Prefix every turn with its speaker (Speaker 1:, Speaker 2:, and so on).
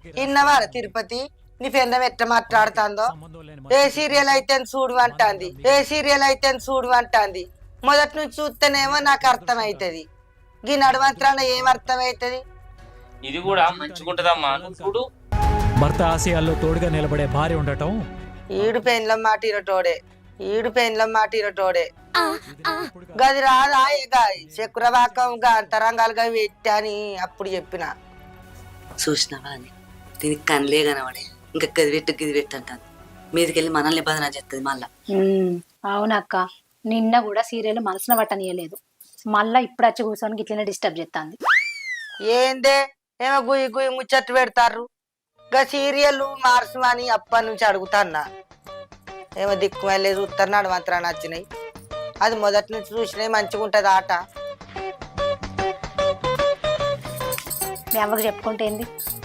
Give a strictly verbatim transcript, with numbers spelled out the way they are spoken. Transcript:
Speaker 1: ఇన్నవారా తిరుపతి నీ పెందం ఎట్ట మాట్లాడుతుందో ఏ సీరియల్ అయితే చూడు అంటాంది ఏ సీరియల్ అయితే చూడు అంటాంది మొదటి నుంచి చూస్తేనేమో నాకు అర్థమవుతుంది ఈ నడవంత్రాన ఏం అర్థమవుతుంది
Speaker 2: ఇది కూడా మంచిగుంటదమ్మా చూడు
Speaker 3: భర్త ఆశయాల్లో తోడుగా నిలబడే భార్య ఉండటం
Speaker 1: ఈడు పెండ్లం మాట ఇరటోడే ఈడు పెండ్లం మాట ఇరటోడే గది రాదా చక్రవాకంగా అంతరంగాలుగా పెట్టని అప్పుడు చెప్పిన
Speaker 4: చూసినావా అని దీనికి కనలే కనబడే ఇంకా గది పెట్టు గిది పెట్టు అంటాను మీదికెళ్ళి మనల్ని బదనా చేస్తుంది మళ్ళా
Speaker 5: అవునక్క నిన్న కూడా సీరియల్ మనసున పట్టనీయలేదు మళ్ళా ఇప్పుడు వచ్చి కూర్చొని గిట్లనే డిస్టర్బ్ చేస్తాంది
Speaker 1: ఏందే ఏమో గుయ్యి గుయ్యి ముచ్చట్లు పెడతారు గా సీరియల్ మార్చమని అప్పటి నుంచి అడుగుతాన్నా ఏమో దిక్కు వెళ్ళే చూస్తారు నడవంతరాన్ని వచ్చినాయి అది మొదటి నుంచి చూసినాయి మంచిగా ఉంటుంది ఆట
Speaker 5: మీ అవ్వకు చెప్పుకుంటే ఏంది